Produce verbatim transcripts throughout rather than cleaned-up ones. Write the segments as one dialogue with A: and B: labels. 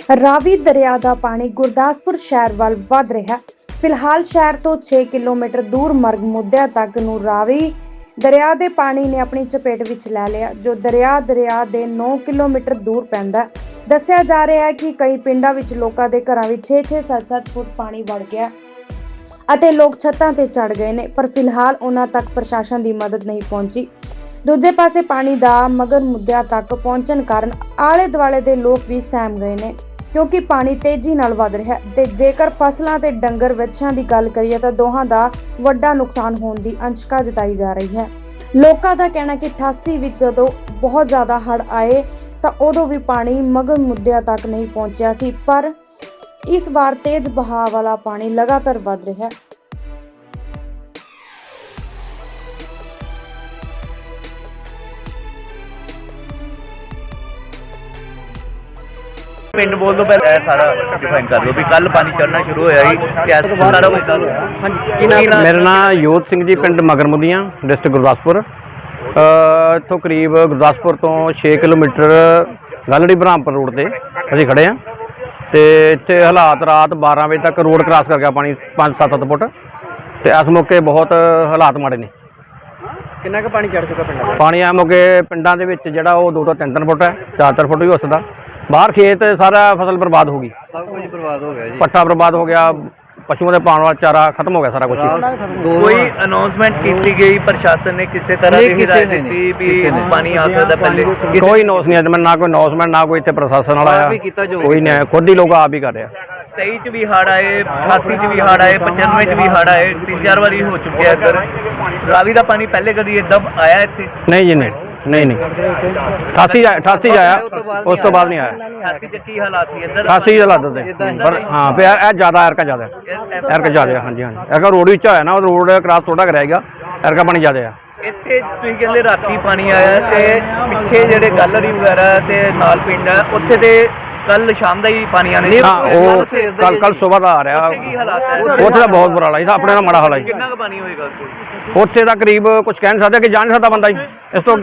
A: ਰਾਵੀ ਦਰਿਆ ਦਾ ਪਾਣੀ ਗੁਰਦਾਸਪੁਰ ਸ਼ਹਿਰ ਵੱਲ ਵਧ ਰਿਹਾ। ਫਿਲਹਾਲ ਸ਼ਹਿਰ ਤੋਂ ਛੇ ਕਿਲੋਮੀਟਰ ਦੂਰ ਮਰਗ ਮੁੱਦਿਆਂ ਤੱਕ ਨੂੰ ਰਾਵੀ ਦਰਿਆ ਦੇ ਪਾਣੀ ਨੇ ਆਪਣੀ ਚਪੇਟ ਵਿੱਚ ਲੈ ਲਿਆ, ਜੋ ਦਰਿਆ ਦਰਿਆ ਦੇ ਨੌ ਕਿਲੋਮੀਟਰ ਦੂਰ ਪੈਂਦਾ। ਦੱਸਿਆ ਜਾ ਰਿਹਾ ਹੈ ਕਿ ਕਈ ਪਿੰਡਾਂ ਵਿੱਚ ਲੋਕਾਂ ਦੇ ਘਰਾਂ ਵਿੱਚ ਛੇ ਛੇ ਸੱਤ ਸੱਤ ਫੁੱਟ ਪਾਣੀ ਵੜ ਗਿਆ ਅਤੇ ਲੋਕ ਛੱਤਾਂ ਤੇ ਚੜ ਗਏ ਨੇ, ਪਰ ਫਿਲਹਾਲ ਉਹਨਾਂ ਤੱਕ ਪ੍ਰਸ਼ਾਸਨ ਦੀ ਮਦਦ ਨਹੀਂ ਪਹੁੰਚੀ। ਦੂਜੇ ਪਾਸੇ ਪਾਣੀ ਦਾ ਮਗਰ ਮੁੱਦਿਆਂ ਤੱਕ ਪਹੁੰਚਣ ਕਾਰਨ ਆਲੇ ਦੁਆਲੇ ਦੇ ਲੋਕ ਵੀ ਸਹਿਮ ਗਏ ਨੇ, ਕਿਉਂਕਿ ਪਾਣੀ ਤੇਜ਼ੀ ਨਾਲ ਵਧ ਰਿਹਾ ਹੈ ਤੇ ਜੇਕਰ ਫਸਲਾਂ ਤੇ ਡੰਗਰ ਵੱਛਿਆਂ ਦੀ ਗੱਲ ਕਰੀਏ ਤਾਂ ਦੋਹਾਂ ਦਾ ਵੱਡਾ ਨੁਕਸਾਨ ਹੋਣ ਦੀ ਅੰਸ਼ਕਾ ਜਤਾਈ ਜਾ ਰਹੀ ਹੈ। ਲੋਕਾਂ ਦਾ ਕਹਿਣਾ ਕਿ ਅਠਾਸੀ ਵਿੱਚ ਜਦੋਂ ਬਹੁਤ ਜ਼ਿਆਦਾ ਹੜ੍ਹ ਆਏ ਤਾਂ ਉਦੋਂ ਵੀ ਪਾਣੀ ਮਗਰ ਮੁੱਦਿਆਂ ਤੱਕ ਨਹੀਂ ਪਹੁੰਚਿਆ ਸੀ, ਪਰ ਇਸ ਵਾਰ ਤੇਜ਼ ਬਹਾਅ ਵਾਲਾ ਪਾਣੀ ਲਗਾਤਾਰ ਵਧ ਰਿਹਾ ਹੈ।
B: ਪਿੰਡ ਬੋਲ ਤੋਂ ਪਹਿਲਾਂ ਇਹ ਸਾਰਾ ਡਿਫਾਈਨ ਕਰ ਲਓ ਵੀ ਕੱਲ ਪਾਣੀ ਚੜਨਾ ਸ਼ੁਰੂ ਹੋਇਆ ਸੀ ਕਿਸ ਸਾਰਾ ਕੁਝ ਦੱਸੋ। ਹਾਂਜੀ,
C: ਮੇਰਾ ਨਾਮ ਯੋਧ ਸਿੰਘ ਜੀ, ਪਿੰਡ ਮਗਰਮੁਦੀਆਂ, ਡਿਸਟ੍ਰਿਕਟ ਗੁਰਦਾਸਪੁਰ। ਇੱਥੋਂ ਕਰੀਬ ਗੁਰਦਾਸਪੁਰ ਤੋਂ ਛੇ ਕਿਲੋਮੀਟਰ ਗਲੜੀ ਬ੍ਰਹਮਪੁਰ ਰੋਡ ਤੇ ਅਸੀਂ ਖੜੇ ਹਾਂ ਤੇ ਇੱਥੇ ਹਾਲਾਤ ਰਾਤ ਬਾਰਾਂ ਵਜੇ ਤੱਕ ਰੋਡ ਕ੍ਰਾਸ ਕਰ ਗਿਆ ਪਾਣੀ ਪੰਜ ਸੱਤ ਸੱਤ ਫੁੱਟ ਤੇ ਇਸ ਮੌਕੇ ਬਹੁਤ ਹਾਲਾਤ ਮਾੜੇ ਨੇ।
B: ਕਿੰਨਾ ਕੁ ਪਾਣੀ ਚੜ ਚੁੱਕਾ ਪਿੰਡਾਂ?
C: ਪਾਣੀ ਆ ਮੌਕੇ ਪਿੰਡਾਂ ਦੇ ਵਿੱਚ ਜਿਹੜਾ ਉਹ ਦੋ ਤੋਂ ਤਿੰਨ ਤਿੰਨ ਫੁੱਟ ਹੈ, ਚਾਰ ਚਾਰ ਫੁੱਟ ਵੀ ਹੋ ਸਕਦਾ। ਬਾਹਰ ਖੇਤ ਸਾਰਾ ਫਸਲ ਬਰਬਾਦ ਹੋ ਗਈ,
B: ਸਭ ਕੁਝ ਬਰਬਾਦ ਹੋ ਗਿਆ ਜੀ।
C: ਪੱਠਾ ਬਰਬਾਦ ਹੋ ਗਿਆ, ਪਸ਼ੂਆਂ ਦੇ ਪਾਉਣ ਵਾਲਾ ਚਾਰਾ ਖਤਮ ਹੋ ਗਿਆ ਸਾਰਾ ਕੁਝ।
B: ਕੋਈ ਅਨਾਉਂਸਮੈਂਟ ਕੀਤੀ ਗਈ ਪ੍ਰਸ਼ਾਸਨ ਨੇ ਕਿਸੇ ਤਰ੍ਹਾਂ ਦੀ ਹਿਦਾਇਤ ਦਿੱਤੀ ਵੀ ਪਾਣੀ ਆ ਸਕਦਾ ਪਹਿਲੇ?
C: ਕੋਈ ਨੋਸ ਨਹੀਂ ਅੱਜ ਮੈਂ ਨਾ ਕੋਈ ਅਨਾਉਂਸਮੈਂਟ ਨਾ ਕੋਈ ਇੱਥੇ ਪ੍ਰਸ਼ਾਸਨ ਵਾਲਾ ਆਇਆ, ਕੋਈ ਨਹੀਂ, ਖੁਦ ਹੀ ਲੋਕ ਆਪ ਹੀ ਕਰ ਰਿਹਾ।
B: ਤੇਈ ਚ ਵੀ ਹੜ੍ਹ ਆਏ, ਅਠਾਸੀ ਚ ਵੀ ਹੜ੍ਹ ਆਏ, ਪਚਾਨਵੇਂ ਚ ਵੀ ਹੜ੍ਹ ਆਏ, ਤਿੰਨ ਚਾਰ ਵਾਰੀ ਹੋ ਚੁੱਕਿਆ ਇੱਧਰ। ਰਾਵੀ ਦਾ ਪਾਣੀ ਪਹਿਲੇ ਕਦੀ ਏਦਾਂ ਆਇਆ ਇੱਥੇ?
C: ਨਹੀਂ ਜੀ, ਨਹੀਂ ਨਹੀਂ ਨਹੀਂ ਅਠਾਸੀ ਅਠਾਸੀ ਆਇਆ, ਉਸ ਤੋਂ ਬਾਅਦ ਨਹੀਂ ਆਇਆ।
B: ਅਠਾਸੀ ਚ ਕੀ ਹਾਲਾਤ ਸੀ ਇੱਧਰ?
C: ਅਠਾਸੀ ਦੇ ਹਾਲਾਤ ਦੇ ਪਰ ਹਾਂ ਪਿਆ ਇਹ ਜ਼ਿਆਦਾ ਐਰਕਾ ਜ਼ਿਆਦਾ ਐਰਕਾ ਜ਼ਿਆਦਾ। ਹਾਂਜੀ ਹਾਂਜੀ ਐਰਕਾ ਰੋਡ ਵਿੱਚ ਹੋਇਆ ਨਾ, ਉਹ ਰੋਡ ਕ੍ਰਾਸ ਥੋੜਾ ਕਰਾਏਗਾ, ਐਰਕਾ ਪਾਣੀ ਜ਼ਿਆਦਾ ਆ।
B: ਇੱਥੇ ਤੁਸੀਂ ਕਹਿੰਦੇ ਰਾਤੀ ਪਾਣੀ ਆਇਆ ਤੇ ਪਿੱਛੇ ਜਿਹੜੇ ਗੈਲਰੀ ਵਗੈਰਾ ਤੇ ਨਾਲ ਪਿੰਡ ਹੈ ਉੱਥੇ ਤੇ ਕੱਲ ਸ਼ਾਮ ਦਾ ਹੀ ਪਾਣੀ ਆਣੇ?
C: ਹਾਂ, ਉਹ ਕੱਲ ਕੱਲ ਸਵੇਰ ਦਾ ਆ ਰਿਹਾ।
B: ਕੀ ਹਾਲਾਤ ਹੈ
C: ਉੱਥੇ ਦਾ ਬਹੁਤ ਬੁਰਾ ਹਾਲ ਹੈ, ਆਪਣੇ ਨਾਲ ਮਾੜਾ ਹਾਲ ਹੈ।
B: ਕਿੰਨਾ ਕੁ ਪਾਣੀ ਹੋਏਗਾ
C: ਉੱਥੇ ਦਾ ਕਰੀਬ ਕੁਝ ਕਹਿ ਨਹੀਂ ਸਕਦਾ ਕਿ ਜਾ ਨਹੀਂ ਸਕਦਾ ਬੰਦਾ ਜੀ ਇਸ ਤੋਂ।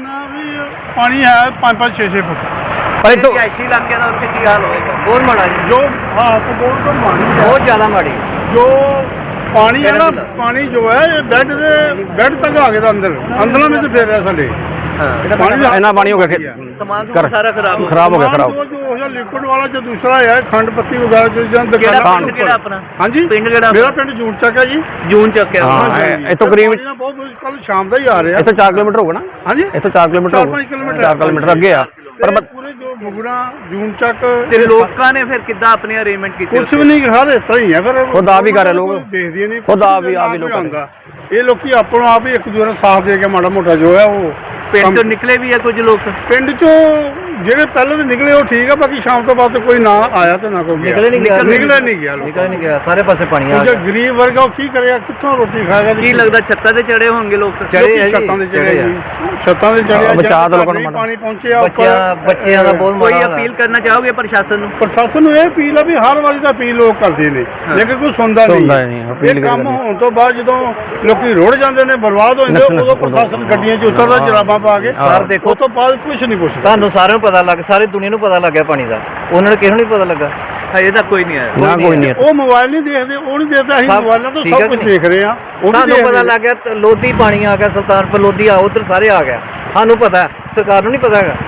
D: ਪਾਣੀ ਹੈ ਪੰਜ ਪੰਜ ਛੇ ਛੇ ਫੁੱਟ,
C: ਪਰ ਇੱਥੋਂ
B: ਰਿਹਾਇਸ਼ੀ ਇਲਾਕਿਆਂ ਦਾ ਉੱਥੇ ਕੀ ਹਾਲ ਹੋਏਗਾ? ਬਹੁਤ ਮਾੜਾ ਜੀ,
D: ਜੋ ਹਾਲਤ ਬਹੁਤ ਮਾੜੀ ਹੈ,
B: ਬਹੁਤ ਜ਼ਿਆਦਾ ਮਾੜੀ।
D: ਜੋ ਪਾਣੀ ਹੈ ਨਾ, ਪਾਣੀ ਜੋ ਹੈ ਇਹ ਬੈੱਡ ਦੇ ਬੈੱਡ ਤੱਕ ਆ ਗਿਆ ਤਾਂ ਅੰਦਰ ਅੰਦਰਾਂ ਵਿੱਚ ਫੇਰ ਰਿਹਾ ਸਾਡੇ।
C: ਪਾਣੀ ਇੰਨਾ ਪਾਣੀ ਹੋ ਗਿਆ,
B: ਸਮਾਨ ਸਾਰਾ ਖਰਾਬ ਹੋ
C: ਖਰਾਬ ਹੋ ਗਿਆ ਖਰਾਬ।
D: ਜੋ ਜੋ ਲਿਕਵਿਡ ਵਾਲਾ ਜੋ ਦੂਸਰਾ ਹੈ ਖੰਡ ਪੱਤੀ ਵਗੈਰਾ ਜੋ ਜਾਂ
B: ਦੁਕਾਨਾਂ। ਪਿੰਡ ਕਿਹੜਾ ਆਪਣਾ?
D: ਹਾਂਜੀ,
B: ਪਿੰਡ ਕਿਹੜਾ?
D: ਮੇਰਾ ਪਿੰਡ ਜੂਨ ਚੱਕ ਹੈ ਜੀ।
B: ਜੂਨ ਚੱਕ ਹੈ।
C: ਹਾਂ, ਇੱਥੋਂ ਕਰੀਬ
D: ਬਹੁਤ ਕੱਲ ਸ਼ਾਮ ਦਾ ਹੀ ਆ ਰਿਹਾ।
C: ਇੱਥੋਂ ਚਾਰ ਕਿਲੋਮੀਟਰ ਹੋਊਗਾ ਨਾ?
D: ਹਾਂਜੀ,
C: ਇੱਥੋਂ ਚਾਰ ਕਿਲੋਮੀਟਰ
D: ਚਾਰ ਪੰਜ ਕਿਲੋਮੀਟਰ
C: ਚਾਰ ਕਿਲੋਮੀਟਰ ਅੱਗੇ ਆ। ਪਰ
D: ਪੂਰੇ ਜੋ ਬੁਗੜਾ ਜੂਨ ਚੱਕ
B: ਤੇ ਲੋਕਾਂ ਨੇ ਫਿਰ ਕਿੱਦਾਂ ਆਪਣੇ ਅਰੇਂਜਮੈਂਟ ਕੀਤੇ?
D: ਕੁਛ ਵੀ ਨਹੀਂ, ਹਰ ਇਸ ਤਰ੍ਹਾਂ ਹੀ ਹੈ। ਫਿਰ
C: ਖੁਦ ਆਪ ਹੀ ਕਰ ਰਹੇ ਲੋਕ,
D: ਦੇਖਦੇ ਨਹੀਂ,
C: ਖੁਦ ਆਪ ਹੀ ਆਪ ਹੀ ਲੋਕ
D: ਆਉਂਦਾ। ਇਹ ਲੋਕੀ ਆਪਣੋ ਆਪ ਹੀ ਇੱਕ ਦੂਜੇ ਨੂੰ ਸਾਥ ਦੇ ਕੇ ਮਾੜਾ ਮੋਟਾ ਜੋ ਹੈ ਉਹ
B: ਪਿੰਡ ਤੋਂ ਨਿਕਲੇ ਵੀ ਆ ਕੁਝ ਲੋਕ।
D: ਪਿੰਡ ਚੋਂ ਜਿਹੜੇ ਪਹਿਲਾਂ ਦੇ ਨਿਕਲੇ ਉਹ ਠੀਕ ਆ, ਬਾਕੀ ਸ਼ਾਮ ਤੋਂ ਬਾਅਦ ਕੋਈ ਨਾ ਆਇਆ ਤੇ ਨਾ ਕੋਈ ਗਿਆ।
B: ਨਿਕਲੇ ਨਹੀਂ ਗਿਆ,
D: ਨਿਕਲੇ ਨਹੀਂ ਗਿਆ,
B: ਨਿਕਲੇ ਨਹੀਂ ਗਿਆ, ਸਾਰੇ ਪਾਸੇ ਪਾਣੀ ਆ
D: ਗਿਆ। ਗਰੀਬ ਵਰਗਾ ਉਹ ਕੀ ਕਰੇਗਾ, ਕਿੱਥੋਂ ਰੋਟੀ ਖਾਏਗਾ?
B: ਕੀ ਲੱਗਦਾ ਛੱਤਾਂ ਤੇ ਚੜੇ ਹੋਣਗੇ ਲੋਕ?
D: ਚੜੇ ਛੱਤਾਂ ਤੇ ਚੜੇ ਜੀ, ਛੱਤਾਂ ਤੇ ਚੜੇ।
C: ਬਚਾ ਦੋ ਲੋਕਾਂ ਨੂੰ,
D: ਪਾਣੀ ਪਹੁੰਚਿਆ
B: ਬੱਚਿਆਂ ਬੱਚਿਆਂ ਦਾ ਬਹੁਤ। ਕੋਈ ਅਪੀਲ ਕਰਨਾ ਚਾਹੋਗੇ ਪ੍ਰਸ਼ਾਸਨ ਨੂੰ?
D: ਪ੍ਰਸ਼ਾਸਨ ਨੂੰ ਇਹ ਅਪੀਲ ਆ ਵੀ ਹਰ ਵਾਰੀ ਦਾ ਅਪੀਲ ਲੋਕ ਕਰਦੇ ਨੇ, ਲੇਕਿਨ ਕੋਈ ਸੁਣਦਾ ਨਹੀਂ। ਇਹ ਕੰਮ ਹੋਣ ਤੋਂ ਬਾਅਦ ਜਦੋਂ ਲੋਕੀ ਰੁੜ ਜਾਂਦੇ ਨੇ, ਬਰਬਾਦ ਹੋ ਜਾਂਦੇ, ਉਦੋਂ ਪ੍ਰਸ਼ਾਸਨ ਗੱਡੀਆਂ 'ਚ ਉਤਰਦਾ ਜਰਾਬਾਂ ਪਾ ਕੇ।
B: ਸਰ ਦੇਖੋ,
D: ਉਸ ਤੋਂ ਬਾਅਦ ਕੁਝ ਨਹੀਂ ਪੁੱਛਦਾ।
B: ਤੁਹਾਨੂੰ ਸਾਰਿਆਂ ਨੂੰ ਪਤਾ ਲੱਗ, ਸਾਰੀ ਦੁਨੀਆ ਨੂੰ ਪਤਾ ਲੱਗਿਆ ਪਾਣੀ ਦਾ, ਉਹਨਾਂ ਨੂੰ ਕਿਸੇ ਨੂੰ ਨਹੀਂ ਪਤਾ ਲੱਗਾ ਹਜੇ ਤੱਕ? ਕੋਈ ਨਹੀਂ ਆਇਆ,
C: ਨਾ ਕੋਈ ਨਹੀਂ।
D: ਉਹ ਮੋਬਾਈਲ ਨਹੀਂ ਦੇਖਦੇ, ਉਹ ਨਹੀਂ ਦੇਖਦਾ। ਅਸੀਂ ਮੋਬਾਈਲਾਂ ਤੋਂ ਸਭ ਕੁਝ ਦੇਖ ਰਹੇ ਹਾਂ।
B: ਸਾਨੂੰ ਪਤਾ ਲੱਗ ਗਿਆ ਲੋਧੀ ਪਾਣੀ ਆ ਗਿਆ, ਸੁਲਤਾਨਪੁਰ ਲੋਧੀ ਆ, ਉਧਰ ਸਾਰੇ ਆ ਗਿਆ। ਸਾਨੂੰ ਪਤਾ, ਸਰਕਾਰ ਨੂੰ ਨਹੀਂ ਪਤਾ ਹੈਗਾ।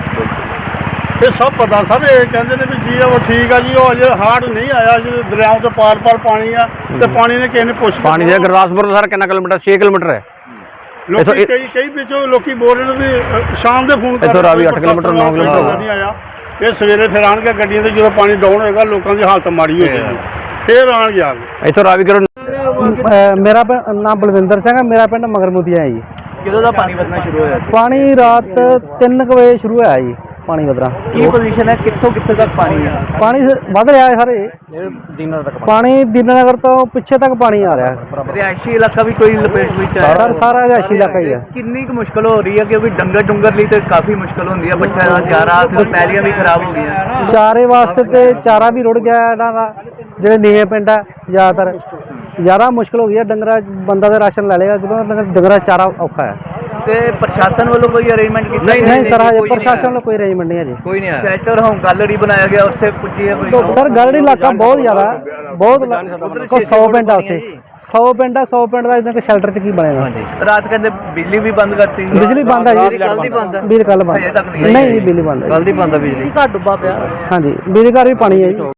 D: ਇਹ ਸਭ ਪਤਾ ਸਭ। ਇਹ ਕਹਿੰਦੇ ਨੇ ਵੀ ਜੀ ਉਹ ਠੀਕ ਆ ਜੀ, ਉਹ ਅਜੇ ਹਾਰਡ ਨਹੀਂ ਆਇਆ, ਜਦੋਂ ਦਰਿਆਵਾਂ ਤੋਂ ਪਾਰ ਪਾਰ ਪਾਣੀ ਆ ਤੇ ਪਾਣੀ ਨੇ ਕਿਸੇ ਨੇ ਪੁੱਛ
C: ਪਾਣੀ ਦੇ ਗੁਰਦਾਸਪੁਰ ਤੋਂ ਸਾਰਾ ਕਿੰਨਾ ਕਿਲੋਮੀਟਰ? ਛੇ ਕਿਲੋਮੀਟਰ ਹੈ।
D: ਲੋਕੀ ਕਈ ਕਈ ਵਿੱਚੋਂ ਲੋਕੀ ਬੋਲ ਰਹੇ ਨੇ ਵੀ ਸ਼ਾਮ ਦੇ ਫੋਨ
C: ਇੱਥੋਂ ਰਾਵੀ ਅੱਠ ਕਿਲੋਮੀਟਰ ਨੌ ਕਿਲੋਮੀਟਰ
D: ਨਹੀਂ ਆਇਆ। ਇਹ ਸਵੇਰੇ ਫਿਰ ਆਉਣਗੇ ਗੱਡੀਆਂ ਤੇ, ਜਦੋਂ ਪਾਣੀ ਡਾਊਨ ਹੋਏਗਾ ਲੋਕਾਂ ਦੀ ਹਾਲਤ ਮਾੜੀ ਹੋ ਜਾਏਗੀ, ਫਿਰ ਆਉਣਗੇ ਆ ਕੇ।
C: ਇੱਥੋਂ ਰਾਵੀ ਕਰੋ।
E: ਮੇਰਾ ਨਾਮ ਬਲਵਿੰਦਰ ਸਿੰਘ ਹੈ, ਮੇਰਾ ਪਿੰਡ ਮਗਰਮੁਦੀਆਂ ਹੈ ਜੀ।
B: ਕਿਦੋਂ ਦਾ ਪਾਣੀ ਵਧਣਾ ਸ਼ੁਰੂ ਹੋਇਆ?
E: ਪਾਣੀ ਰਾਤ ਤਿੰਨ ਕੁ ਵਜੇ ਸ਼ੁਰੂ ਹੋਇਆ ਜੀ ਪਾਣੀ ਵਧਣਾ।
B: ਕੀ ਪੋਜੀਸ਼ਨ ਹੈ, ਕਿੱਥੋਂ ਕਿੱਥੇ ਤੱਕ ਪਾਣੀ ਹੈ?
E: ਪਾਣੀ ਵੱਧ ਰਿਹਾ ਹੈ ਸਾਰੇ
C: ਦੀਨਾਨਗਰ ਤੱਕ
E: ਪਾਣੀ, ਦੀਨਾਨਗਰ ਤੋਂ ਪਿੱਛੇ ਤੱਕ ਪਾਣੀ ਆ ਰਿਹਾ।
B: ਰਿਹਾਇਸ਼ੀ ਇਲਾਕਾ ਵੀ ਕੋਈ ਲਪੇਟ ਵਿੱਚ ਆਇਆ?
E: ਸਰ ਸਾਰਾ ਰਿਹਾਇਸ਼ੀ ਇਲਾਕਾ ਹੀ ਹੈ।
B: ਕਿੰਨੀ ਕੁ ਮੁਸ਼ਕਲ ਹੋ ਰਹੀ ਹੈ, ਕਿਉਂਕਿ ਡੰਗਰ ਡੁੰਗਰ ਲਈ ਤੇ ਕਾਫੀ ਮੁਸ਼ਕਲ ਹੁੰਦੀ ਹੈ, ਬੱਚਿਆਂ ਦਾ ਚਾਰਾ ਤੇ ਪੈਲੀਆਂ ਵੀ ਖਰਾਬ ਹੋ ਗਈਆਂ।
E: ਚਾਰੇ ਵਾਸਤੇ ਤੇ ਚਾਰਾ ਵੀ ਰੁੜ ਗਿਆ ਇਹਨਾਂ ਦਾ, ਜਿਹੜੇ ਨੀਵੇਂ ਪਿੰਡ ਹੈ ਜ਼ਿਆਦਾਤਰ ਜ਼ਿਆਦਾ ਮੁਸ਼ਕਲ ਹੋ ਗਈ ਹੈ। ਡੰਗਰਾ ਬੰਦਾ ਦਾ ਰਾਸ਼ਨ ਲੈ ਲੇਗਾ, ਜਦੋਂ ਡੰਗਰਾ ਚਾਰਾ ਔਖਾ ਹੈ।
B: ਤੇ ਪ੍ਰਸ਼ਾਸਨ ਵੱਲੋਂ ਕੋਈ ਅਰੇਂਜਮੈਂਟ ਕੀਤਾ
E: ਨਹੀਂ ਨਹੀਂ ਸਰ ਹਜੇ ਪ੍ਰਸ਼ਾਸਨ ਵੱਲੋਂ ਕੋਈ ਅਰੇਂਜਮੈਂਟ ਨਹੀਂ ਹੈ ਜੀ
B: ਕੋਈ ਨਹੀਂ ਆਇਆ ਸ਼ੈਲਟਰ ਹੋਮ ਗੈਲਰੀ ਬਣਾਇਆ ਗਿਆ ਉੱਥੇ ਪੁੱਜੀ ਹੈ ਕੋਈ
E: ਸਰ ਗੜੜੀ ਇਲਾਕਾ ਬਹੁਤ ਜ਼ਿਆਦਾ ਬਹੁਤ ਕੋ ਸੌ ਪਿੰਡ ਆ ਉੱਥੇ ਸੌ ਪਿੰਡ ਆ ਸੌ ਪਿੰਡ ਦਾ ਇਦਾਂ ਕਿ ਸ਼ੈਲਟਰ 'ਚ ਕੀ ਬਣੇਗਾ
B: ਰਾਤ ਕਹਿੰਦੇ ਬਿਜਲੀ ਵੀ ਬੰਦ ਕਰਤੀ
E: ਬਿਜਲੀ ਬੰਦ ਆ ਜੀ
B: ਕੱਲ ਦੀ ਬੰਦ
E: ਬਿਜਲੀ ਕੱਲ ਬੰਦ
B: ਹਜੇ ਤੱਕ ਨਹੀਂ
E: ਨਹੀਂ ਜੀ ਬਿਜਲੀ ਬੰਦ
B: ਕੱਲ ਦੀ ਬੰਦ ਆ ਬਿਜਲੀ ਘਰ ਡੁੱਬਾ ਪਿਆ
E: ਹਾਂਜੀ ਬਿਜਲੀ ਘਰ ਵੀ ਪਾਣੀ ਹੈ ਜੀ